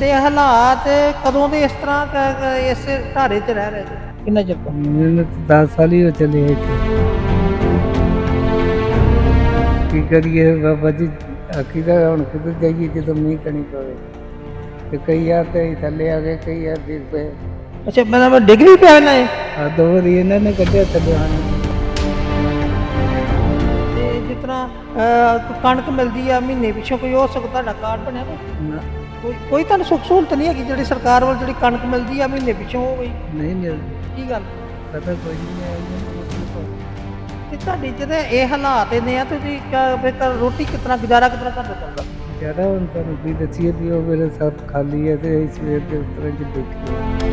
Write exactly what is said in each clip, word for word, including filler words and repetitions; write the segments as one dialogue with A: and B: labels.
A: ਤੁਹਾਡੇ ਹਾਲਾਤ ਕਦੋਂ ਦੇ ਇਸ ਤਰ੍ਹਾਂ ਕ- ਕ- ਇਸ ਢਾਰੇ 'ਚ ਰਹਿ ਰਹੇ ਜੀ ਕਿੰਨਾ ਚਿਰ ਤੋਂ?
B: ਮੈਨੂੰ ਤਾਂ ਦਸ ਸਾਲ ਹੀ ਹੋ ਚੱਲੇ ਆ ਇੱਥੇ। ਕੀ ਕਰੀਏ ਬਾਬਾ ਜੀ, ਆਖੀਦਾ ਹੁਣ ਕਿੱਧਰ ਜਾਈਏ ਜਦੋਂ ਮੀਂਹ ਕਣੀ ਪਵੇ। ਤੇ ਕਈ ਵਾਰ ਤੇ ਅਸੀਂ ਥੱਲੇ ਆ ਗਏ, ਕਈ ਵਾਰ ਡਿੱਗ ਪਏ।
A: ਅੱਛਾ ਮਤਲਬ ਡਿੱਗ ਵੀ ਪਿਆ ਇਹਨਾਂ ਇਹ
B: ਆ ਦੋ ਵਾਰੀ ਇਹਨਾਂ ਨੇ ਕੱਢਿਆ ਥੱਲੇ ਸਾਨੂੰ।
A: ਤੇ ਜਿਸ ਤਰ੍ਹਾਂ ਅਹ, ਕਣਕ ਮਿਲਦੀ ਆ ਮਹੀਨੇ ਪਿੱਛੋਂ ਕੋਈ ਹੋ ਸਕਦਾ ਤੁਹਾਡਾ ਕਾਰਡ ਬਣਿਆ ਕੋਈ
B: ਨਾ,
A: ਕੋਈ ਕੋਈ ਤੁਹਾਨੂੰ ਸੁੱਖ ਸਹੂਲਤ ਨਹੀਂ ਹੈਗੀ ਜਿਹੜੀ ਸਰਕਾਰ ਵੱਲ ਜਿਹੜੀ ਕਣਕ ਮਿਲਦੀ ਆ ਮਹੀਨੇ ਪਿੱਛੋਂ ਹੋ ਗਈ
B: ਨਹੀਂ ਮਿਲਦੀ।
A: ਕੀ ਗੱਲ?
B: ਪਤਾ ਕੋਈ ਨਹੀਂ ਹੈ ਇਹਨਾਂ ਨੂੰ ਪੁੱਛ ਲਓ।
A: ਤੇ ਤੁਹਾਡੀ ਜਿਹੜੇ ਇਹ ਹਾਲਾਤ ਇਹਨੇ ਆ ਤੁਸੀਂ ਕ- ਫਿਰ ਘਰ ਰੋਟੀ ਕਿਸ ਤਰ੍ਹਾਂ ਗੁਜ਼ਾਰਾ ਕਿਸ ਤਰ੍ਹਾਂ ਕਰਦਾ ਚੱਲਦਾ?
B: ਜ਼ਿਆਦਾ ਹੁਣ ਤੁਹਾਨੂੰ ਕੀ ਦੱਸੀਏ ਵੀ ਉਹ ਮੇਰੇ ਸਭ ਖਾਲੀ ਹੈ ਤੇ ਅਸੀਂ ਸਵੇਰ ਦੇ ਉਸ ਤਰ੍ਹਾਂ 'ਚ ਬੈਠੇ ਹਾਂ।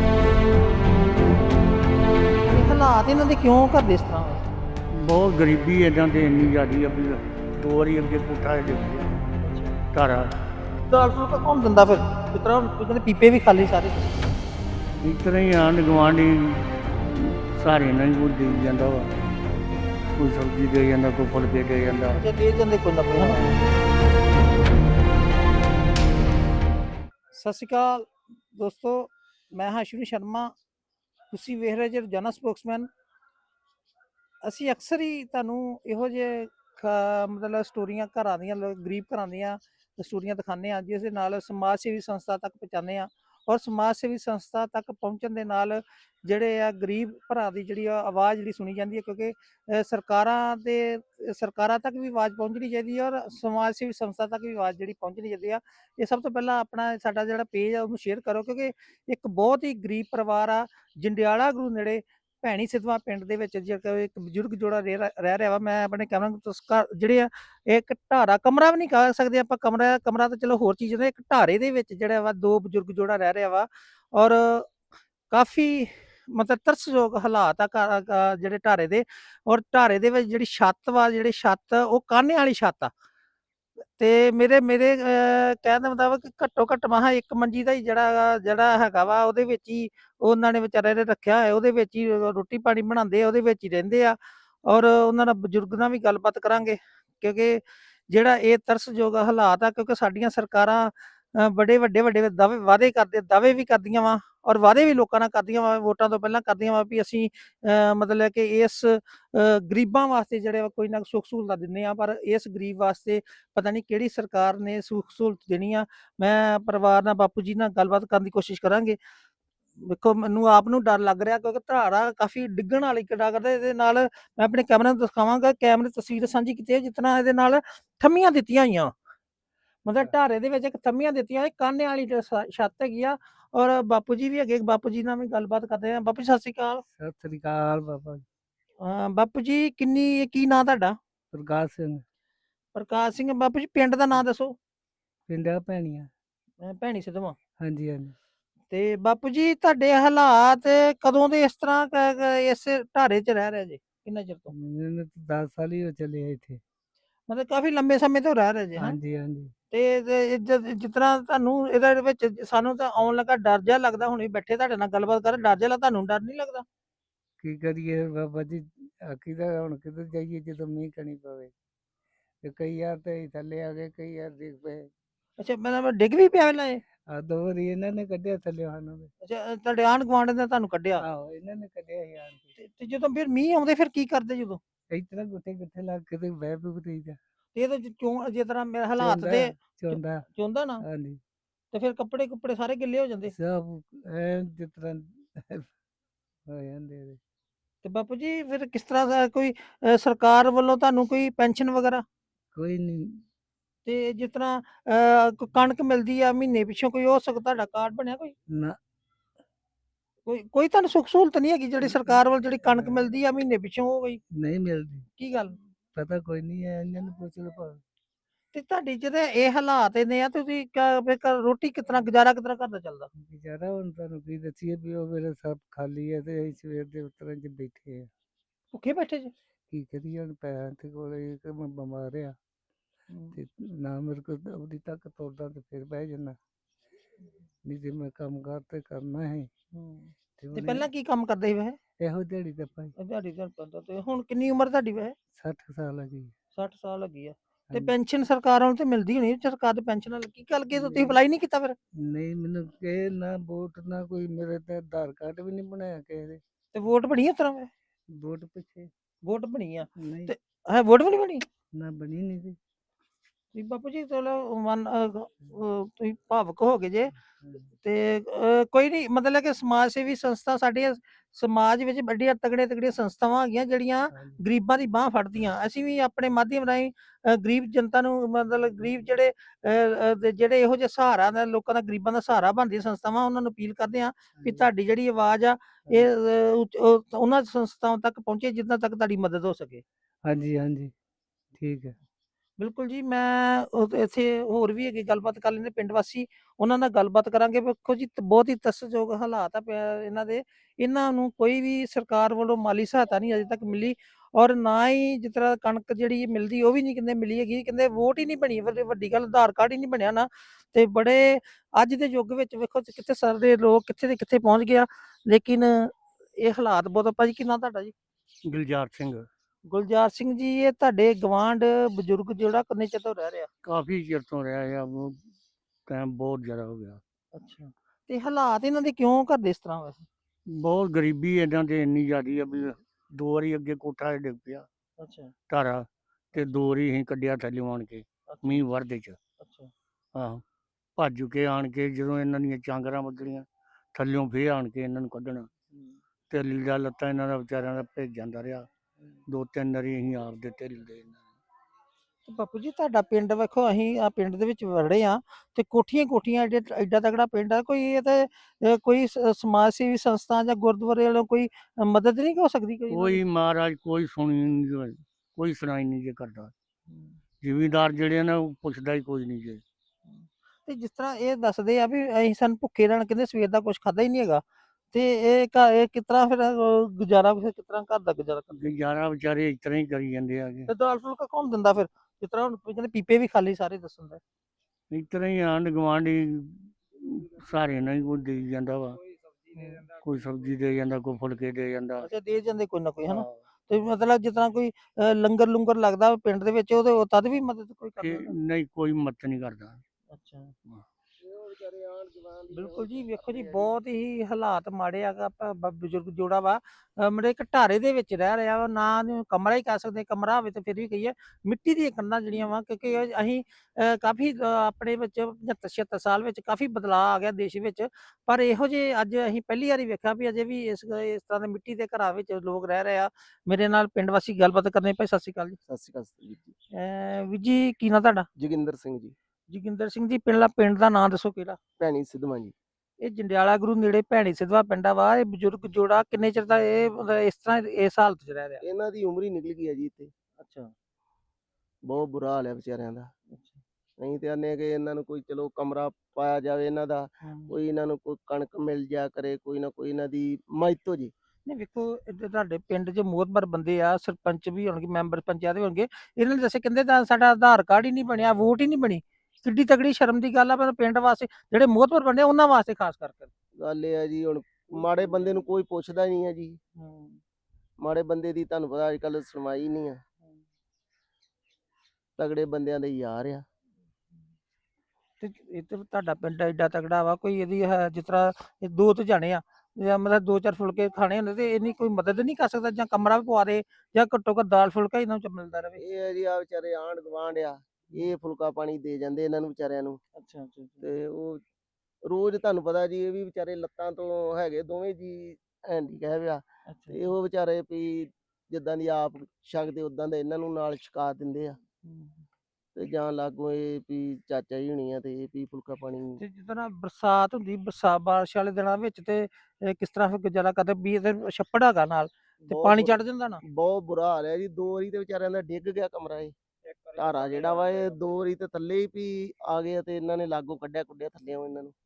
A: ਇਹ ਹਾਲਾਤ ਇਹਨਾਂ ਦੇ ਕਿਉਂ ਕਰਦੇ ਇਸ ਤਰ੍ਹਾਂ ਹੋਏ?
C: ਬਹੁਤ ਗਰੀਬੀ ਇਦਾਂ ਤੇ ਇੰਨੀ ਜ਼ਿਆਦੀ ਆ ਵੀ ਦੋ ਵਾਰੀ ਅੱਗੇ ਪੁੱਠਾ ਦੇ ਧਾਰਾ
A: ਦਾਲ ਫੁਲਕਾ ਕੌਣ ਦਿੰਦਾ ਫਿਰ? ਇਸ ਤਰ੍ਹਾਂ ਕਹਿੰਦੇ ਪੀਪੇ ਵੀ ਖਾਲੀ ਸਾਰੇ।
C: ਇਸ ਤਰ੍ਹਾਂ ਹੀ ਆਂਢ ਗੁਆਂਢੀ ਸਾਰੇ ਨਾਲ ਹੀ ਕੋਈ ਦੇ ਜਾਂਦਾ ਵਾ, ਕੋਈ ਸਬਜ਼ੀ ਦੇ ਜਾਂਦਾ, ਕੋਈ ਫੁਲਕੇ ਦੇ ਜਾਂਦਾ।
A: ਜੇ ਦੇ ਜਾਂਦੇ ਕੋਈ ਨਾ ਕੋਈ ਹਨਾ। ਸਤਿ ਸ਼੍ਰੀ ਅਕਾਲ ਦੋਸਤੋ, ਮੈਂ ਹਾਂ ਅਸ਼ਵਨੀ ਸ਼ਰਮਾ, ਤੁਸੀਂ ਵੇਖ ਰਹੇ ਜੇ ਰੋਜ਼ਾਨਾ ਸਪੋਕਸਮੈਨ। ਅਸੀਂ ਅਕਸਰ ਹੀ ਤੁਹਾਨੂੰ ਇਹੋ ਜਿਹੇ ਖ- ਮਤਲਬ ਸਟੋਰੀਆਂ ਘਰਾਂ ਦੀਆਂ, ਲੋ- ਗਰੀਬ ਘਰਾਂ ਦੀਆਂ ਸਟੋਰੀਆਂ ਦਿਖਾਉਂਦੇ ਹਾਂ ਜਿਸ ਦੇ ਨਾਲ ਸਮਾਜ ਸੇਵੀ ਸੰਸਥਾ ਤੱਕ ਪਹੁੰਚਾਉਂਦੇ ਹਾਂ। ਔਰ ਸਮਾਜ ਸੇਵੀ ਸੰਸਥਾ ਤੱਕ ਪਹੁੰਚਣ ਦੇ ਨਾਲ ਜਿਹੜੇ ਆ ਗਰੀਬ ਭਰਾ ਦੀ ਜਿਹੜੀ ਆ ਆਵਾਜ਼ ਜਿਹੜੀ ਸੁਣੀ ਜਾਂਦੀ ਹੈ, ਕਿਉਂਕਿ ਅਹ ਸਰਕਾਰਾਂ ਦੇ ਸਰਕਾਰਾਂ ਤੱਕ ਵੀ ਆਵਾਜ਼ ਪਹੁੰਚਣੀ ਚਾਹੀਦੀ ਹੈ ਔਰ ਸਮਾਜ ਸੇਵੀ ਸੰਸਥਾ ਤੱਕ ਵੀ ਆਵਾਜ਼ ਜਿਹੜੀ ਪਹੁੰਚਣੀ ਚਾਹੀਦੀ ਆ। ਇਹ ਸਭ ਤੋਂ ਪਹਿਲਾਂ ਆਪਣਾ ਸਾਡਾ ਜਿਹੜਾ ਪੇਜ ਆ ਉਹਨੂੰ ਸ਼ੇਅਰ ਕਰੋ, ਕਿਉਂਕਿ ਇੱਕ ਬਹੁਤ ਹੀ ਗਰੀਬ ਪਰਿਵਾਰ ਆ ਜੰਡਿਆਲਾ ਗੁਰੂ ਨੇੜੇ ਭੈਣੀ ਸਿੱਧਵਾਂ ਪਿੰਡ ਦੇ ਵਿੱਚ ਜਿਹੜਾ ਇੱਕ ਬਜ਼ੁਰਗ ਜੋੜਾ ਰਹਿ ਰਿਹਾ ਰਹਿ ਰਿਹਾ ਵਾ। ਮੈਂ ਆਪਣੇ ਕੈਮਰਾ ਨੂੰ ਤੁਸ ਘਰ ਜਿਹੜੇ ਆ ਇੱਕ ਢਾਰਾ ਕਮਰਾ ਵੀ ਨਹੀਂ ਕਹਿ ਸਕਦੇ ਆਪਾਂ, ਕਮਰਾ ਕਮਰਾ ਤਾਂ ਚਲੋ ਹੋਰ ਚੀਜ਼ ਹੁੰਦਾ, ਇੱਕ ਢਾਰੇ ਦੇ ਵਿੱਚ ਜਿਹੜਾ ਵਾ ਦੋ ਬਜ਼ੁਰਗ ਜੋੜਾ ਰਹਿ ਰਿਹਾ ਵਾ। ਔਰ ਕਾਫੀ ਮਤਲਬ ਤਰਸਯੋਗ ਹਾਲਾਤ ਆ ਘਰ- ਅ ਜਿਹੜੇ ਢਾਰੇ ਦੇ। ਔਰ ਢਾਰੇ ਦੇ ਵਿੱਚ ਜਿਹੜੀ ਛੱਤ ਵਾ, ਜਿਹੜੀ ਛੱਤ ਉਹ ਕਾਨੇ ਵਾਲੀ ਛੱਤ ਆ। ਤੇ ਮੇਰੇ ਮੇਰੇ ਅਹ, ਕਹਿਣ ਦਾ ਮੁਤਾਬਕ ਘੱਟੋ ਘੱਟ ਮਹਾ ਇੱਕ ਮੰਜੀ ਦਾ ਹੀ ਜਿਹੜਾ ਗਾ- ਜਿਹੜਾ ਹੈਗਾ ਵਾ ਉਹਦੇ ਵਿੱਚ ਹੀ ਉਹਨਾਂ ਨੇ ਵਿਚਾਰੇ ਨੇ ਰੱਖਿਆ ਹੋਇਆ, ਉਹਦੇ ਵਿੱਚ ਹੀ ਰੋਟੀ ਪਾਣੀ ਬਣਾਉਂਦੇ ਆ, ਉਹਦੇ ਵਿੱਚ ਹੀ ਰਹਿੰਦੇ ਆ। ਔਰ ਉਹਨਾਂ ਨਾਲ ਬਜ਼ੁਰਗ ਨਾਲ ਵੀ ਗੱਲਬਾਤ ਕਰਾਂਗੇ, ਕਿਉਂਕਿ ਜਿਹੜਾ ਇਹ ਤਰਸਯੋਗ ਹਾਲਾਤ ਆ, ਕਿਉਂਕਿ ਸਾਡੀਆਂ ਸਰਕਾਰਾਂ ਅ, ਬੜੇ ਵੱਡੇ ਵੱਡੇ ਦਾਅਵੇ ਵਾਅਦੇ ਕਰਦੇ ਦਾਅਵੇ ਵੀ ਕਰਦੀਆਂ ਵਾ ਔਰ ਵਾਅਦੇ ਵੀ ਲੋਕਾਂ ਨਾਲ ਕਰਦੀਆਂ ਵਾ, ਵੋਟਾਂ ਤੋਂ ਪਹਿਲਾਂ ਕਰਦੀਆਂ ਵਾ ਵੀ ਅਸੀਂ ਅ, ਮਤਲਬ ਕਿ ਇਸ ਅ, ਗਰੀਬਾਂ ਵਾਸਤੇ ਜਿਹੜੇ ਵਾ ਕੋਈ ਨਾ ਸੁੱਖ ਸਹੂਲਤਾਂ ਦਿੰਦੇ ਆ, ਪਰ ਇਸ ਗਰੀਬ ਵਾਸਤੇ ਪਤਾ ਨਹੀਂ ਕਿਹੜੀ ਸਰਕਾਰ ਨੇ ਸੁੱਖ ਸਹੂਲਤ ਦੇਣੀ ਆ। ਮੈਂ ਪਰਿਵਾਰ ਨਾਲ, ਬਾਪੂ ਜੀ ਨਾਲ ਗੱਲਬਾਤ ਕਰਨ ਦੀ ਕੋਸ਼ਿਸ਼ ਕਰਾਂਗੇ। ਵੇਖੋ ਮੈਨੂੰ ਆਪ ਨੂੰ ਡਰ ਲੱਗ ਰਿਹਾ, ਕਿਉਂਕਿ ਧਾਰਾ ਕਾਫੀ ਡਿੱਗਣ ਵਾਲੀ ਕਿੱਡਾ ਕਰਦਾ। ਇਹਦੇ ਨਾਲ ਮੈਂ ਆਪਣੇ ਕੈਮਰੇ ਨੂੰ ਦਿਖਾਵਾਂਗਾ, ਕੈਮਰੇ ਤਸਵੀਰ ਸਾਂਝੀ ਕੀਤੀ ਹੈ ਜਿਸ ਤਰ੍ਹਾਂ ਇਹਦੇ ਨਾਲ ਥੰਮੀਆਂ ਦਿੱਤੀਆਂ ਹੋਈਆਂ, ਮਤਲਬ ਢਾਰੇ ਦੇ ਵਿੱਚ ਇੱਕ ਥੰਮੀਆਂ ਦਿੱਤੀਆਂ, ਇਹ ਕਾਨੇ ਵਾਲੀ ਜ- ਸ- ਛੱਤ ਹੈਗੀ ਆ। ਔਰ ਬਾਪੂ ਜੀ ਵੀ ਹੈਗੇ, ਬਾਪੂ ਜੀ ਨਾਲ ਵੀ ਗੱਲਬਾਤ ਕਰਦੇ ਆ। ਬਾਪੂ ਜੀ ਸਤਿ ਸ਼੍ਰੀ ਅਕਾਲ।
B: ਸਤਿ ਸ੍ਰੀ ਅਕਾਲ ਬਾਬਾ ਜੀ।
A: ਅਹ ਬਾਪੂ ਜੀ ਕਿੰਨੀ ਕੀ ਨਾਂ ਤੁਹਾਡਾ?
B: ਪ੍ਰਕਾਸ਼ ਸਿੰਘ,
A: ਪ੍ਰਕਾਸ਼ ਸਿੰਘ। ਬਾਪੂ ਜੀ ਪਿੰਡ ਦਾ ਨਾਂ ਦੱਸੋ?
B: ਪਿੰਡਾਂ ਭੈਣੀਆਂ।
A: ਅਹ ਭੈਣੀ ਸਿੱਧਵਾਂ।
B: ਹਾਂਜੀ ਹਾਂਜੀ।
A: ਤੇ ਬਾਪੂ ਜੀ ਤੁਹਾਡੇ ਹਾਲਾਤ ਕਦੋਂ ਦੇ ਇਸ ਤਰ੍ਹਾਂ ਕ- ਕ- ਇਸ ਢਾਰੇ 'ਚ ਰਹਿ ਰਹੇ ਜੇ ਕਿੰਨਾ ਚਿਰ ਤੋਂ?
B: ਮੈਨੂੰ ਤਾਂ ਦਸ ਸਾਲ ਹੀ ਹੋ ਚੱਲੇ ਆ ਇੱਥੇ।
A: ਮਤਲਬ ਕਾਫੀ ਲੰਬੇ ਸਮੇਂ ਤੋਂ ਰਹਿ ਰਹੇ ਜੇ, ਹਾਂ?
B: ਹਾਂਜੀ ਹਾਂਜੀ।
A: ਤੇ ਤੇ ਜ- ਜਿਸ ਤਰ੍ਹਾਂ ਤੁਹਾਨੂੰ ਇਹਦੇ ਵਿੱਚ ਸਾਨੂੰ ਤਾਂ ਆਉਣ ਲੱਗਾ ਡਰ ਜਿਹਾ ਲੱਗਦਾ, ਹੁਣ ਵੀ ਬੈਠੇ ਤੁਹਾਡੇ ਨਾਲ ਗੱਲਬਾਤ ਕਰ ਡਰ ਜਿਹਾ ਲੱਗਦਾ, ਤੁਹਾਨੂੰ ਡਰ ਨਹੀਂ ਲੱਗਦਾ?
B: ਕੀ ਕਰੀਏ ਬਾਬਾ ਜੀ, ਆਖੀਦਾ ਹੁਣ ਕਿੱਧਰ ਜਾਈਏ ਜਦੋਂ ਮੀਂਹ ਕਣੀ ਪਵੇ। ਤੇ ਕਈ ਵਾਰ ਤੇ ਅਸੀਂ ਥੱਲੇ ਆ ਗਏ, ਕਈ ਵਾਰ ਡਿੱਗ ਪਏ।
A: ਅੱਛਾ ਮਤਲਬ ਡਿੱਗ ਵੀ ਪਿਆ ਪਹਿਲਾਂ ਇਹ?
B: ਆ ਦੋ ਵਾਰੀ ਇਹਨਾਂ ਨੇ ਕੱਢਿਆ ਥੱਲੇ ਸਾਨੂੰ ਵੀ।
A: ਅੱਛਾ ਅ, ਤੁਹਾਡੇ ਆਂਢ ਗੁਆਂਢ ਨੇ ਤੁਹਾਨੂੰ ਕੱਢਿਆ?
B: ਆਹੋ ਇਹਨਾਂ ਨੇ ਕੱਢਿਆ ਸੀ ਆਣ ਕੇ।
A: ਤੇ ਤੇ ਜਦੋਂ ਫਿਰ ਮੀਂਹ ਆਉਂਦੇ ਫਿਰ ਕੀ ਕਰਦੇ ਜਦੋਂ?
B: ਇਸ ਤਰ੍ਹਾਂ ਗੁੱਠੇ ਗੁੱਠੇ ਲੱਗ ਕੇ ਤੇ ਬਹਿ ਬੂ ਜਾਈਦਾ।
A: ਇਹ ਤਾਂ ਜ- ਕਿਉਂ ਜਿਸ ਤਰ੍ਹਾਂ ਮੇਰੇ ਹਾਲਾਤ
B: ਚੌਂਦਾ
A: ਤੇ
B: ਚੌਂਦਾ।
A: ਚੁੰਦਾ ਨਾ,
B: ਹਾਂਜੀ।
A: ਤੇ ਫਿਰ ਕੱਪੜੇ ਕੁੱਪੜੇ ਸਾਰੇ ਗਿੱਲੇ ਹੋ ਜਾਂਦੇ।
B: ਸਭ ਐਨ ਜਿਸ ਤਰ੍ਹਾਂ ਹੋ ਜਾਂਦੇ ਨੇ।
A: ਤੇ ਬਾਪੂ ਜੀ ਫਿਰ ਕਿਸ ਤਰ੍ਹਾਂ ਦਾ ਕੋਈ ਅ, ਸਰਕਾਰ ਵੱਲੋਂ ਤੁਹਾਨੂੰ ਕੋਈ ਪੈਨਸ਼ਨ ਵਗੈਰਾ?
B: ਕੋਈ ਨਹੀਂ।
A: ਤੇ ਜਿਸ ਤਰ੍ਹਾਂ ਅ, ਕ- ਕਣਕ ਮਿਲਦੀ ਆ ਮਹੀਨੇ ਪਿੱਛੋਂ ਕੋਈ ਹੋ ਸਕਦਾ ਤੁਹਾਡਾ ਕਾਰਡ ਬਣਿਆ ਕੋਈ
B: ਨਾ,
A: ਕੋਈ ਕੋਈ ਤੁਹਾਨੂੰ ਸੁੱਖ ਸਹੂਲਤ ਨਹੀਂ ਹੈਗੀ ਜਿਹੜੀ ਸਰਕਾਰ ਵੱਲ ਜਿਹੜੀ ਕਣਕ ਮਿਲਦੀ ਆ ਮਹੀਨੇ ਪਿੱਛੋਂ ਹੋ ਗਈ
B: ਨਹੀਂ ਮਿਲਦੀ।
A: ਕੀ ਗੱਲ?
B: ਪਤਾ ਕੋਈ ਨਹੀਂ ਹੈ, ਇਹਨਾਂ ਨੂੰ ਪੁੱਛ ਲਓ ਭਾਵੇਂ।
A: ਤੇ ਤੁਹਾਡੀ ਜਿਹੜੇ ਇਹ ਹਾਲਾਤ ਨੇ ਆ, ਤੁਸੀਂ ਕ- ਫਿਰ ਘਰ ਰੋਟੀ ਕਿਸ ਤਰ੍ਹਾਂ ਗੁਜ਼ਾਰਾ ਕਿਸ ਤਰ੍ਹਾਂ ਕਰਦਾ ਚੱਲਦਾ?
B: ਵਿਚਾਰਾ ਹੁਣ ਤੁਹਾਨੂੰ ਕੀ ਦੱਸੀਏ ਵੀ ਉਹ ਮੇਰੇ ਸਭ ਖਾਲੀ ਹੈ ਤੇ ਅਸੀਂ ਸਵੇਰ ਦੇ ਉਸ ਤਰ੍ਹਾਂ 'ਚ ਬੈਠੇ ਆ।
A: ਭੁੱਖੇ ਬੈਠੇ ਜੀ?
B: ਕੀ ਕਰੀਏ ਹੁਣ, ਪੈਸਿਆਂ ਤੇ ਕੋਲ ਇੱਕ ਮੈਂ ਬਿਮਾਰ ਆ ਤੇ ਨਾ ਮੇਰੇ ਕੋਲ ਉਹਦੀ ਤੱਕ ਤੁਰਦਾ ਤੇ ਫਿਰ ਬਹਿ ਜਾਣਾ, ਨਹੀਂ ਤੇ ਮੈਂ ਕੰਮ ਕਾਰ ਤੇ ਕਰਨਾ ਹੈ।
A: ਹੂੰ।
B: ਤੇ
A: ਤੇ
B: ਉਹਨੇ
A: ਪਹਿਲਾਂ ਕੀ ਕੰਮ ਕਰਦੇ ਸੀ ਵੈਸੇ?
B: ਇਹੋ ਦਿਹਾੜੀ ਦਾ ਭਾਈ।
A: ਦਿਹਾੜੀ ਦਾ ਬੰਦਾ। ਤੇ ਹੁਣ ਕਿੰਨੀ ਉਮਰ ਤੁਹਾਡੀ ਵੈਸੇ?
B: ਸੱਠ ਸਾਲ ਆ ਗਈ।
A: ਸੱਠ ਸਾਲ ਹੈਗੀ ਆ। ਤੇ
B: ਹਾਂਜੀ।
A: ਪੈਨਸ਼ਨ ਸਰਕਾਰ ਵੱਲੋਂ ਤੇ ਮਿਲਦੀ ਹੋਣੀ, ਸਰਕਾਰ ਦੀ ਪੈਨਸ਼ਨ ਨਾਲ ਕੀ ਗੱਲ ਕੀ ਤੁਸੀਂ
B: ਨਹੀਂ
A: ਅਪਲਾਈ ਨਹੀਂ ਕੀਤਾ ਫਿਰ?
B: ਨਹੀਂ ਮੈਨੂੰ ਕਿਸੇ ਨਾ ਵੋਟ ਨਾ ਕੋਈ, ਮੇਰੇ ਤੇ ਆਧਾਰ ਕਾਰਡ ਵੀ ਨਹੀਂ ਬਣਾਇਆ ਕਿਸੇ ਦੇ।
A: ਤੇ ਵੋਟ ਬਣੀ ਇਸ ਤਰ੍ਹਾਂ?
B: ਵੋਟ ਪਿੱਛੇ
A: ਵੋਟ ਬਣੀ ਆ
B: ਨਹੀਂ
A: ਤੇ ਹੈ ਵੋਟ ਵੀ ਨਹੀਂ ਬਣੀ?
B: ਨਾ ਬਣੀ ਨਹੀਂ ਸੀ।
A: ਵੀ ਬਾਪੂ ਜੀ ਚਲੋ ਮਨ ਅ, ਗ- ਅ, ਤੁਸੀਂ ਭਾਵੁਕ ਹੋ ਗਏ ਜੇ
B: ਹਾਂਜੀ।
A: ਤੇ ਅ, ਕੋਈ ਨਹੀਂ, ਮਤਲਬ ਕਿ ਸਮਾਜ ਸੇਵੀ ਸੰਸਥਾ ਸਾਡੀਆਂ ਸਮਾਜ ਵਿੱਚ ਵੱਡੀਆਂ ਤਗੜੇ ਤਗੜੀਆਂ ਸੰਸਥਾਵਾਂ ਹੈਗੀਆਂ ਜਿਹੜੀਆਂ
B: ਹਾਂਜੀ।
A: ਗਰੀਬਾਂ ਦੀ ਬਾਹ ਫੜਦੀਆਂ। ਅਸੀਂ ਵੀ ਆਪਣੇ ਮਾਧਿਅਮ ਰਾਹੀਂ ਅ, ਗਰੀਬ ਜਨਤਾ ਨੂੰ, ਮਤਲਬ ਗਰੀਬ ਜਿਹੜੇ ਅ, ਅ, ਦੇ ਜਿਹੜੇ ਇਹੋ ਜਿਹੇ ਸਹਾਰਾ ਦਾ ਲੋਕਾਂ ਦਾ, ਗਰੀਬਾਂ ਦਾ ਸਹਾਰਾ ਬਣਦੀਆਂ ਸੰਸਥਾਵਾਂ, ਉਹਨਾਂ ਨੂੰ ਅਪੀਲ ਕਰਦੇ ਹਾਂ ਵੀ
B: ਹਾਂਜੀ।
A: ਤੁਹਾਡੀ ਜਿਹੜੀ ਆਵਾਜ਼ ਆ ਇਹ ਅ, ਉੱਚ- ਅ, ਉਹਨਾਂ ਸੰਸਥਾਵਾਂ ਤੱਕ ਪਹੁੰਚੇ ਜਿੱਦਾਂ ਤੱਕ ਤੁਹਾਡੀ ਮਦਦ ਹੋ ਸਕੇ।
B: ਹਾਂਜੀ ਹਾਂਜੀ ਠੀਕ ਹੈ।
A: ਬਿਲਕੁਲ ਜੀ, ਮੈਂ ਉਹ ਇੱਥੇ ਹੋਰ ਵੀ ਹੈਗੇ, ਗੱਲਬਾਤ ਕਰ ਲੈਂਦੇ ਪਿੰਡ ਵਾਸੀ, ਉਹਨਾਂ ਨਾਲ ਗੱਲਬਾਤ ਕਰਾਂਗੇ। ਵੇਖੋ ਜੀ, ਤ- ਬਹੁਤ ਹੀ ਤਰਸਯੋਗ ਹਾਲਾਤ ਆ ਪਿਆ ਇਹਨਾਂ ਦੇ। ਇਹਨਾਂ ਨੂੰ ਕੋਈ ਵੀ ਸਰਕਾਰ ਵੱਲੋਂ ਮਾਲੀ ਸਹਾਇਤਾ ਨਹੀਂ ਅਜੇ ਤੱਕ ਮਿਲੀ, ਔਰ ਨਾ ਹੀ ਜਿਸ ਤਰ੍ਹਾਂ ਕਣਕ ਜਿਹੜੀ ਮਿਲਦੀ ਉਹ ਵੀ ਨਹੀਂ ਕਹਿੰਦੇ ਮਿਲੀ ਹੈਗੀ। ਕਹਿੰਦੇ ਵੋਟ ਹੀ ਨਹੀਂ ਬਣੀ, ਵੱਡੀ ਵੱਡੀ ਗੱਲ ਆਧਾਰ ਕਾਰਡ ਹੀ ਨਹੀਂ ਬਣਿਆ ਨਾ। ਤੇ ਬੜੇ ਅੱਜ ਦੇ ਯੁੱਗ ਵਿੱਚ ਵੇਖੋ ਤੇ ਕਿੱਥੇ ਸਰਦੇ ਲੋਕ ਕਿੱਥੇ ਦੇ ਕਿੱਥੇ ਪਹੁੰਚ ਗਿਆ। ਲੇਕਿਨ ਇਹ ਹਾਲਾਤ ਬਹੁਤ। ਭਾਜੀ ਕਿੰਨਾ ਤੁਹਾਡਾ ਜੀ?
C: ਗੁਲਜ਼ਾਰ ਸਿੰਘ
A: ਗੁਲਜ਼ਾਰ ਸਿੰਘ ਜੀ, ਇਹ ਤੁਹਾਡੇ ਗਵਾਂਢ ਬਜ਼ੁਰਗ ਜਿਹੜਾ ਕਿੰਨੇ ਚਿਰ ਤੋਂ ਰਹਿ ਰਿਹਾ?
C: ਕਾਫੀ ਚਿਰ ਤੋਂ ਰਿਹਾ ਆ, ਉਹ ਟਾਈਮ ਬਹੁਤ ਜ਼ਿਆਦਾ ਹੋ ਗਿਆ।
A: ਅੱਛਾ, ਤੇ ਹਾਲਾਤ ਇਹਨਾਂ ਦੇ ਕਿਉਂ ਘਰ ਦੇ ਇਸ ਤਰ੍ਹਾਂ ਵੈਸੇ?
C: ਬਹੁਤ ਗਰੀਬੀ ਇਹਨਾਂ ਤੇ ਇੰਨੀ ਜ਼ਿਆਦੀ ਆ ਵੀ ਦੋ ਵਾਰੀ ਅੱਗੇ ਕੋਠਾ ਡਿੱਗ ਪਿਆ
A: ਅੱਛਾ
C: ਧਾਰਾ, ਤੇ ਦੋ ਵਾਰੀ ਅਸੀਂ ਕੱਢਿਆ ਥੱਲੇ ਆਣ ਕੇ
A: ਅੱਛਾ
C: ਮੀਂਹ ਵਰਦੇ ਚ।
A: ਅੱਛਾ
C: ਆਹੋ, ਭੱਜ ਕੇ ਆਣ ਕੇ ਜਦੋਂ ਇਹਨਾਂ ਦੀਆਂ ਚਾਂਗਰਾਂ ਵੱਜਣੀਆਂ ਥੱਲਿਓਂ ਫੇਰ ਆਣ ਕੇ ਇਹਨਾਂ ਨੂੰ ਕੱਢਣਾ,
A: ਹੂੰ,
C: ਤੇ ਲੀੜਾ ਲੱਤਾ ਇਹਨਾਂ ਦਾ ਵਿਚਾਰਿਆਂ ਦਾ ਭੇਜ ਜਾਂਦਾ ਰਿਹਾ।
A: ਹੂੰ।
C: ਦੋ ਤਿੰਨ ਵਾਰੀ ਅਸੀਂ ਆਪ ਦਿੱਤੇ ਲੀੜੇ ਇਹਨਾਂ ਨੂੰ।
A: ਤੇ ਬਾਪੂ ਜੀ, ਤੁਹਾਡਾ ਪਿੰਡ ਵੇਖੋ, ਅਸੀਂ ਆ ਪਿੰਡ ਦੇ ਵਿੱਚ ਵੜੇ ਆ ਤੇ ਕੋਠੀਆਂ ਕੋਠੀਆਂ ਐਡੇ ਐਡਾ ਤਗੜਾ ਪਿੰਡ ਆ। ਕੋਈ ਇਹ ਤੇ ਅ, ਕੋਈ ਸ- ਸਮਾਜ ਸੇਵੀ ਸੰਸਥਾ ਜਾਂ ਗੁਰਦੁਆਰੇ ਵੱਲੋਂ ਕੋਈ ਅ, ਮਦਦ ਨਹੀਂ ਹੋ ਸਕਦੀ ਕੋਈ ਇਹਨਾਂ ਦੀ?
C: ਕੋਈ ਮਹਾਰਾਜ ਕੋਈ ਸੁਣੀ ਨਹੀਂ ਜੀ, ਕੋਈ ਸੁਣਾਈ ਨਹੀਂ ਜੇ ਕਰਦਾ।
A: ਹੂੰ,
C: ਜ਼ਿਮੀਂਦਾਰ ਜਿਹੜੇ ਆ ਨਾ ਉਹ ਪੁੱਛਦਾ ਹੀ ਕੋਈ ਨਹੀਂ ਜੇ।
A: ਹੂੰ। ਤੇ ਜਿਸ ਤਰ੍ਹਾਂ ਇਹ ਦੱਸਦੇ ਆ ਵੀ ਅਸੀਂ ਸਾਨੂੰ ਭੁੱਖੇ ਰਹਿਣ, ਕਹਿੰਦੇ ਸਵੇਰ ਦਾ ਕੁਝ ਖਾਦਾ ਹੀ ਨਹੀਂ ਹੈਗਾ, ਤੇ ਇਹ ਘਰ ਇਹ ਕਿਸ ਤਰ੍ਹਾਂ ਫਿਰ ਅ, ਗੁਜ਼ਾਰਾ ਫਿਰ ਕਿਸ ਤਰ੍ਹਾਂ ਘਰ ਦਾ ਗੁਜ਼ਾਰਾ ਕਰਦੇ?
C: ਗੁਜ਼ਾਰਾ ਵਿਚਾਰੇ ਇਸ ਤਰ੍ਹਾਂ ਹੀ ਕਰੀ ਜਾਂਦੇ ਆਗੇ।
A: ਤੇ ਦਾਲ ਫੁਲਕਾ ਕੌਣ ਦਿੰਦਾ ਫਿਰ? ਜਿਸ ਤਰ੍ਹਾਂ ਹੁਣ ਕਹਿੰਦੇ ਪੀਪੇ ਵੀ ਖਾਲੀ ਸਾਰੇ ਦੱਸਣ ਦਾ।
C: ਇਸ ਤਰ੍ਹਾਂ ਹੀ ਆਂਢ ਗੁਆਂਢੀ ਸਾਰੇ ਨਾਲ ਹੀ ਕੋਈ ਦੇਈ ਜਾਂਦਾ ਵਾ, ਕੋਈ ਸਬਜ਼ੀ ਦੇ ਜਾਂਦਾ, ਕੋਈ ਫੁਲਕੇ ਦੇ ਜਾਂਦਾ।
A: ਅੱਛਾ, ਦੇ ਜਾਂਦੇ ਕੋਈ ਨਾ ਕੋਈ, ਹਨਾ?
C: ਹਾਂ,
A: ਤੇ ਮਤਲਬ ਜਿਸ ਤਰ੍ਹਾਂ ਕੋਈ ਅ, ਲੰਗਰ ਲੁੰਗਰ ਲੱਗਦਾ ਪਿੰਡ ਦੇ ਵਿੱਚ, ਉਹਦੇ ਉਹ ਤਦ ਵੀ ਮਦਦ ਕੋਈ
C: ਕਿ
A: ਕਰਦਾ?
C: ਨਹੀਂ ਕੋਈ ਮਦਦ ਨਹੀਂ ਕਰਦਾ।
A: ਅੱਛਾ,
C: ਹਾਂ।
A: ਬਿਲਕੁਲ ਜੀ, ਵੇਖੋ ਜੀ, ਬਹੁਤ ਹੀ ਹਾਲਾਤ ਮਾੜੇ ਆ ਗਾ। ਪ- ਬ- ਬਜ਼ੁਰਗ ਜੋੜਾ ਵਾ, ਅ, ਮਤਲਬ ਇੱਕ ਢਾਰੇ ਦੇ ਵਿੱਚ ਰਹਿ ਰਿਹਾ ਵਾ, ਨਾ ਉਹਨੂੰ ਕਮਰਾ ਹੀ ਕਹਿ ਸਕਦੇ, ਕਮਰਾ ਹੋਵੇ ਤੇ ਫਿਰ ਵੀ ਕਹੀਏ ਮਿੱਟੀ ਦੀਆਂ ਕੰਧਾਂ ਜਿਹੜੀਆਂ ਵਾ, ਕਿਉਂਕਿ ਇਹ ਅਸੀਂ ਅ, ਕਾਫੀ ਅ, ਆਪਣੇ ਵਿੱਚ ਪਝੱਤਰ ਛਿਅੱਤਰ ਸਾਲ ਵਿੱਚ ਕਾਫੀ ਬਦਲਾਅ ਆ ਗਿਆ ਦੇਸ਼ ਵਿੱਚ। ਪਰ ਇਹੋ ਜਿਹੇ ਅੱਜ ਅਸੀਂ ਪਹਿਲੀ ਵਾਰੀ ਵੇਖਿਆ ਵੀ ਅਜੇ ਵੀ ਇਸ ਇਸ ਤਰ੍ਹਾਂ ਦੇ ਮਿੱਟੀ ਦੇ ਘਰਾਂ ਵਿੱਚ ਲੋਕ ਰਹਿ ਰਹੇ ਆ। ਮੇਰੇ ਨਾਲ ਪਿੰਡ ਵਾਸੀ ਗੱਲਬਾਤ ਕਰਨੇ ਭਾਈ। ਸਤਿ ਸ਼੍ਰੀ ਅਕਾਲ ਜੀ।
D: ਸਤਿ ਸ਼੍ਰੀ ਅਕਾਲ ਵੀਰ ਜੀ।
A: ਅਹ ਵੀਰ ਜੀ, ਕੀ ਨਾਂ ਤੁਹਾਡਾ?
D: ਜੋਗਿੰਦਰ ਸਿੰਘ ਜੀ,
A: ਜੋਗਿੰਦਰ ਸਿੰਘ ਜੀ, ਪਿੰਡਲਾ ਪਿੰਡ ਦਾ ਨਾਂ ਦੱਸੋ ਕਿਹੜਾ?
D: ਭੈਣੀ ਸਿੱਧਵਾਂ ਜੀ।
A: ਇਹ ਜੰਡਿਆਲਾ ਗੁਰੂ ਨੇੜੇ ਭੈਣੀ ਸਿਧਵਾ ਪਿੰਡਾ ਵਾ। ਇਹ ਬਜ਼ੁਰਗ ਜੋੜਾ ਕਿੰਨੇ ਚਿਰ ਦਾ ਇਹ ਮਤਲਬ ਇਸ ਤਰ੍ਹਾਂ ਇਸ ਹਾਲਤ 'ਚ ਰਹਿ ਰਿਹਾ?
D: ਇਹਨਾਂ ਦੀ ਉਮਰ ਹੀ ਨਿਕਲ ਗਈ ਹੈ ਜੀ ਇੱਥੇ।
A: ਅੱਛਾ
D: ਬਹੁਤ ਬੁਰਾ ਹਾਲ ਹੈ ਵਿਚਾਰਿਆਂ ਦਾ।
A: ਅੱਛਾ।
D: ਨਹੀਂ ਤੇ ਆਨੇ ਕਿ ਇਹਨਾਂ ਨੂੰ ਕੋਈ ਚਲੋ ਕਮਰਾ ਪਾਇਆ ਜਾਵੇ, ਇਹਨਾਂ ਦਾ
A: ਹਮ।
D: ਕੋਈ ਇਹਨਾਂ ਨੂੰ ਕੋਈ ਕਣਕ ਮਿਲ ਜਾ ਕਰੇ, ਕੋਈ ਨਾ ਕੋਈ ਇਹਨਾਂ ਦੀ ਮਦਦ ਹੋ ਜੀ।
A: ਨਹੀਂ ਵੇਖੋ, ਇੱਥੇ ਤੁਹਾਡੇ ਪਿੰਡ 'ਚ ਮੋਹਤਬਰ ਬੰਦੇ ਆ, ਸਰਪੰਚ ਵੀ ਹੋਣਗੇ, ਮੈਂਬਰ ਪੰਚਾਇਤ ਵੀ ਹੋਣਗੇ। ਇਹਨਾਂ ਨੇ ਦੱਸੇ ਕਹਿੰਦੇ ਤਾਂ ਸਾਡਾ ਆਧਾਰ ਕਾਰਡ ਹੀ ਨਹੀਂ ਬਣਿਆ, ਵੋਟ ਹੀ ਨਹੀਂ ਬਣੀ। ਕਿੱਡੀ ਤਗੜੀ ਸ਼ਰਮ ਦੀ ਗੱਲ ਆ। ਪਰ ਪਿੰਡ ਵਾਸਤੇ ਜਿਹੜੇ ਮੋਹਤਬਰ ਬੰਦੇ ਆ, ਉਹਨਾਂ ਵਾਸਤੇ ਖਾਸ ਕਰਕੇ।
D: ਗੱਲ ਇਹ ਹੈ ਜੀ, ਹੁਣ ਮਾੜੇ ਬੰਦੇ ਨੂੰ ਕੋਈ ਪੁੱਛਦਾ ਨਹੀਂ ਹੈ ਜੀ।
A: ਹਮ।
D: ਮਾੜੇ ਬੰਦੇ ਦੀ ਤੁਹਾਨੂੰ ਪਤਾ ਅੱਜ ਕੱਲ੍ਹ ਸੁਣਵਾਈ ਨਹੀਂ ਆ। ਤਗੜੇ ਬੰਦਿਆਂ ਦੇ ਯਾਰ ਆ।
A: ਤੇ ਇਹ ਤੇ ਤੁਹਾਡਾ ਪਿੰਡ ਐਡਾ ਤਗੜਾ ਵਾ, ਕੋਈ ਇਹਦੀ ਹੈ ਜਿਸ ਤਰ੍ਹਾਂ ਇਹ ਦੋ ਤੇ ਜਾਣੇ ਆ, ਜਾਂ ਮਤਲਬ ਦੋ ਚਾਰ ਫੁਲਕੇ ਖਾਣੇ ਹੁੰਦੇ, ਤੇ ਇਹਨੀ ਕੋਈ ਮਦਦ ਨਹੀਂ ਕਰ ਸਕਦਾ? ਜਾਂ ਕਮਰਾ ਵੀ ਪਵਾ ਦੇ, ਜਾਂ ਘੱਟੋ ਘੱਟ ਦਾਲ ਫੁਲਕਾ ਇਹਨਾਂ ਨੂੰ ਮਿਲਦਾ ਰਹੇ।
D: ਇਹ ਹੈ ਜੀ, ਆ ਵਿਚਾਰੇ ਆਂਢ ਗੁਆਂਢ ਆ, ਇਹ ਫੁਲਕਾ ਪਾਣੀ ਦੇ ਜਾਂਦੇ ਇਹਨਾਂ ਨੂੰ ਵਿਚਾਰਿਆਂ ਨੂੰ।
A: ਅੱਛਾ ਅੱਛਾ ਅੱਛਾ।
D: ਤੇ ਉਹ ਰੋਜ਼ ਤੁਹਾਨੂੰ ਪਤਾ ਜੀ, ਇਹ ਵੀ ਵਿਚਾਰੇ ਲੱਤਾਂ ਤੋਂ ਹੈਗੇ ਦੋਵੇਂ ਜੀ ਹੈਂਡੀਕੈਪ ਆ।
A: ਅੱਛਾ
D: ਤੇ ਉਹ ਵਿਚਾਰੇ ਵੀ ਜਿੱਦਾਂ ਦੀ ਆਪ ਛਕਦੇ ਉਦਾਂ ਦਾ ਇਹਨਾਂ ਨੂੰ ਨਾਲ ਛਕਾ ਦਿੰਦੇ ਆ।
A: ਹਮ।
D: ਤੇ ਜਾਂ ਲਾਗੋਂ ਇਹ ਵੀ ਚਾਚਾ ਜੀ ਹੋਣੀ ਆ, ਤੇ ਇਹ ਵੀ ਫੁਲਕਾ ਪਾਣੀ।
A: ਤੇ ਜਿਸ ਤਰ੍ਹਾਂ ਬਰਸਾਤ ਹੁੰਦੀ, ਬਰਸਾਤ ਬਾਰਿਸ਼ ਵਾਲੇ ਦਿਨਾਂ ਵਿੱਚ, ਤੇ ਇਹ ਕਿਸ ਤਰ੍ਹਾਂ ਫਿਰ ਗੁਜ਼ਾਰਾ ਕਰਦੇ? ਵੀ ਇਹਦੇ ਛੱਪੜ ਹੈਗਾ ਨਾਲ ਤੇ
D: ਬਹੁਤ
A: ਪਾਣੀ
D: ਬੁਰਾ-
A: ਚੜ ਜਾਂਦਾ ਨਾ?
D: ਬਹੁਤ ਬੁਰਾ ਹਾਲ ਹੈ ਜੀ। ਦੋ ਵਾਰੀ ਤੇ ਵਿਚਾਰਿਆਂ ਦਾ ਡਿੱਗ ਗਿਆ ਕਮਰਾ। ਇਹ ਧਾਰਾ ਜਿਹੜਾ ਵਾ, ਇਹ ਦੋ ਵਾਰੀ ਤੇ ਥੱਲੇ ਹੀ ਵੀ ਆ ਗਏ, ਤੇ ਇਹਨਾਂ ਨੇ ਲਾਗੋਂ ਕੱਢਿਆ ਕੁੱਢਿਆ ਥੱਲੇ ਇਹਨਾਂ ਨੂੰ।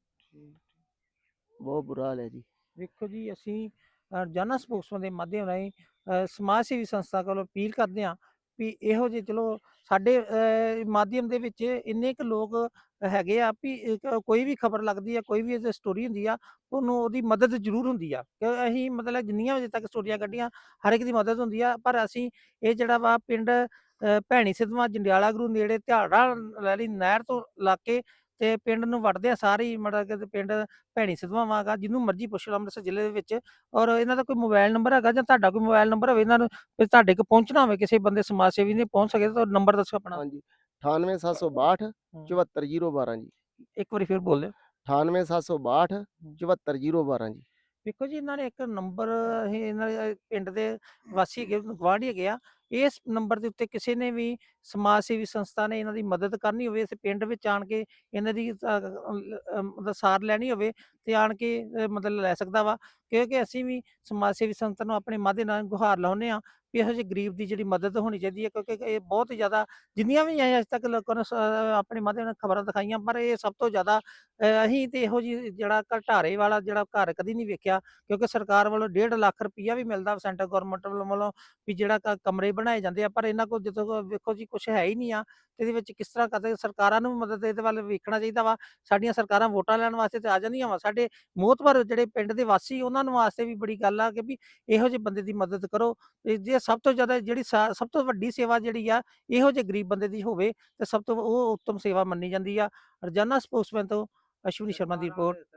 D: ਬਹੁਤ ਬੁਰਾ ਹਾਲ ਹੈ ਜੀ।
A: ਵੇਖੋ ਜੀ, ਅਸੀਂ ਅ, ਰੋਜ਼ਾਨਾ ਸਪੋਕਸਮੈਨ ਦੇ ਮਾਧਿਅਮ ਰਾਹੀਂ ਅ, ਸਮਾਜ ਸੇਵੀ ਸੰਸਥਾ ਕੋਲੋਂ ਅਪੀਲ ਕਰਦੇ ਹਾਂ ਵੀ ਇਹੋ ਜਿਹੇ ਚਲੋ ਸਾਡੇ ਅ, ਮਾਧਿਅਮ ਦੇ ਵਿੱਚ ਇੰਨੇ ਕੁ ਲੋਕ ਹੈਗੇ ਆ ਵੀ ਇੱਕ ਕੋਈ ਵੀ ਖਬਰ ਲੱਗਦੀ ਆ, ਕੋਈ ਵੀ ਇਹਦੀ ਸਟੋਰੀ ਹੁੰਦੀ ਆ, ਉਹਨੂੰ ਉਹਦੀ ਮਦਦ ਜ਼ਰੂਰ ਹੁੰਦੀ ਆ। ਕਿ ਅਸੀਂ ਮਤਲਬ ਜਿੰਨੀਆਂ ਵਜੇ ਤੱਕ ਸਟੋਰੀਆਂ ਕੱਢੀਆਂ, ਹਰ ਇੱਕ ਦੀ ਮਦਦ ਹੁੰਦੀ ਆ। ਪਰ ਅਸੀਂ ਇਹ ਜਿਹੜਾ ਵਾ ਪਿੰਡ ਅ, ਭੈਣੀ ਸਿੱਧਵਾਂ ਜੰਡਿਆਲਾ ਗੁਰੂ ਨੇੜੇ ਧਿਆੜਾ ਵਾਲੀ ਨਹਿਰ ਤੋਂ ਲਾ ਕੇ ਤੇ ਪਿੰਡ ਨੂੰ ਵੜਦੇ ਆ ਸਾਰੇ ਹੀ, ਮਤਲਬ ਕਿ ਤੇ ਪਿੰਡ ਭੈਣੀ ਸਿੱਧਵਾਂ ਵਾਂਗਾ, ਜਿਹਨੂੰ ਮਰਜ਼ੀ ਪੁੱਛ ਲਓ ਅੰਮ੍ਰਿਤਸਰ ਜ਼ਿਲ੍ਹੇ ਦੇ ਵਿੱਚ। ਔਰ ਇਹਨਾਂ ਦਾ ਕੋਈ ਮੋਬਾਈਲ ਨੰਬਰ ਹੈਗਾ ਜਾਂ ਤੁਹਾਡਾ ਕੋਈ ਮੋਬਾਈਲ ਨੰਬਰ ਹੋਵੇ ਇਹਨਾਂ ਨੂੰ ਵੀ ਤੁਹਾਡੇ ਕੋਲ ਪਹੁੰਚਣਾ ਹੋਵੇ, ਕਿਸੇ ਬੰਦੇ ਸਮਾਜ ਸੇਵੀ ਨੇ ਪਹੁੰਚ ਸਕੇ ਤਾਂ ਨੰਬਰ ਦੱਸੋ ਆਪਣਾ।
D: ਹਾਂਜੀ ਅਠਾਨਵੇਂ ਸੱਤ ਸੌ ਬਾਹਠ
A: ਹੂੰ।
D: ਚੁਹੱਤਰ ਜ਼ੀਰੋ ਬਾਰਾਂ ਜੀ।
A: ਇੱਕ ਵਾਰੀ ਫਿਰ ਬੋਲ ਦਿਓ।
D: ਅਠਾਨਵੇਂ ਸੱਤ ਸੌ ਬਾਹਠ ਚੁਹੱਤਰ ਜ਼ੀਰੋ ਬਾਰਾਂ ਜੀ।
A: ਵੇਖੋ ਜੀ, ਇਹਨਾਂ ਨੇ ਇੱਕ ਨੰਬਰ, ਇਹ ਇਹਨਾਂ ਦੇ ਪਿੰਡ ਦੇ ਵਾਸੀ ਹੈਗੇ, ਗੁਆਂਢੀ ਹੈਗੇ ਆ। ਇਸ ਨੰਬਰ ਦੇ ਉੱਤੇ ਕਿਸੇ ਨੇ ਵੀ ਸਮਾਜ ਸੇਵੀ ਸੰਸਥਾ ਨੇ ਇਹਨਾਂ ਦੀ ਮਦਦ ਕਰਨੀ ਹੋਵੇ, ਇਸ ਪਿੰਡ ਵਿੱਚ ਆਣ ਕੇ ਇਹਨਾਂ ਦੀ ਅ, ਅ, ਅ, ਮਤਲਬ ਸਾਰ ਲੈਣੀ ਹੋਵੇ ਤੇ ਆਣ ਕੇ ਅ, ਮਤਲਬ ਲੈ ਸਕਦਾ ਵਾ। ਕਿਉਂਕਿ ਅਸੀਂ ਵੀ ਸਮਾਜ ਸੇਵੀ ਸੰਸਥਾ ਨੂੰ ਆਪਣੇ ਮਾਧੇ ਨਾਲ ਗੁਹਾਰ ਲਾਉਂਦੇ ਆ ਵੀ ਇਹੋ ਜਿਹੇ ਗਰੀਬ ਦੀ ਜਿਹੜੀ ਮਦਦ ਹੋਣੀ ਚਾਹੀਦੀ ਹੈ, ਕਿਉਂਕਿ ਇਹ ਬਹੁਤ ਹੀ ਜ਼ਿਆਦਾ, ਜਿੰਨੀਆਂ ਵੀ ਅਸੀਂ ਅੱਜ ਤੱਕ ਲੋਕਾਂ ਨੂੰ ਸ- ਆਪਣੇ ਮਾਧੇ ਨਾਲ ਖਬਰਾਂ ਦਿਖਾਈਆਂ, ਪਰ ਇਹ ਸਭ ਤੋਂ ਜ਼ਿਆਦਾ ਅ, ਅਸੀਂ ਤੇ ਇਹੋ ਜਿਹੀ ਜਿਹੜਾ ਘਟਾਰੇ ਵਾਲਾ ਜਿਹੜਾ ਘਰ ਕਦੀ ਨਹੀਂ ਵੇਖਿਆ। ਕਿਉਂਕਿ ਸਰਕਾਰ ਵੱਲੋਂ ਡੇਢ ਲੱਖ ਰੁਪਈਆ ਵੀ ਮਿਲਦਾ ਸੈਂਟਰ ਗਵਰਨਮੈਂਟ ਵੱਲੋਂ ਵੀ ਜਿਹੜਾ ਕ- ਕਮਰੇ ਬਣਾਏ ਜਾਂਦੇ ਆ, ਪਰ ਇਹਨਾਂ ਕੋਲ ਜਦੋਂ ਕੋਲ ਵੇਖੋ ਜੀ ਕੁਝ ਹੈ ਹੀ ਨਹੀਂ ਆ। ਤੇ ਇਹਦੇ ਵਿੱਚ ਕਿਸ ਤਰ੍ਹਾਂ ਕਰਦੇ, ਸਰਕਾਰਾਂ ਨੂੰ ਵੀ ਮਦਦ ਇਹਦੇ ਵੱਲ ਵੇਖਣਾ ਚਾਹੀਦਾ ਵਾ। ਸਾਡੀਆਂ ਸਰਕਾਰਾਂ ਵੋਟਾਂ ਲੈਣ ਵਾਸਤੇ ਤੇ ਆ ਜਾਂਦੀਆਂ ਵਾ, ਸਾਡੇ ਮੋਹਤਬਰ ਜਿਹੜੇ ਪਿੰਡ ਦੇ ਵਾਸੀ ਉਹਨਾਂ ਨੂੰ ਵਾਸਤੇ ਵੀ ਬੜੀ ਗੱਲ ਆ ਕਿ ਵੀ ਇਹੋ ਜਿਹੇ ਬੰਦੇ ਦੀ ਮਦਦ ਕਰੋ। ਤੇ ਜੇ ਸਭ ਤੋਂ ਜ਼ਿਆਦਾ ਜਿਹੜੀ ਸਾ- ਸਭ ਤੋਂ ਵੱਡੀ ਸੇਵਾ ਜਿਹੜੀ ਆ ਇਹੋ ਜਿਹੇ ਗਰੀਬ ਬੰਦੇ ਦੀ ਹੋਵੇ ਤੇ ਸਭ ਤੋਂ ਉਹ ਉੱਤਮ ਸੇਵਾ ਮੰਨੀ ਜਾਂਦੀ ਆ। ਰੋਜ਼ਾਨਾ ਸਪੋਕਸਮੈਨ ਤੋਂ ਅਸ਼ਵਨੀ ਸ਼ਰਮਾ ਦੀ ਰਿਪੋਰਟ।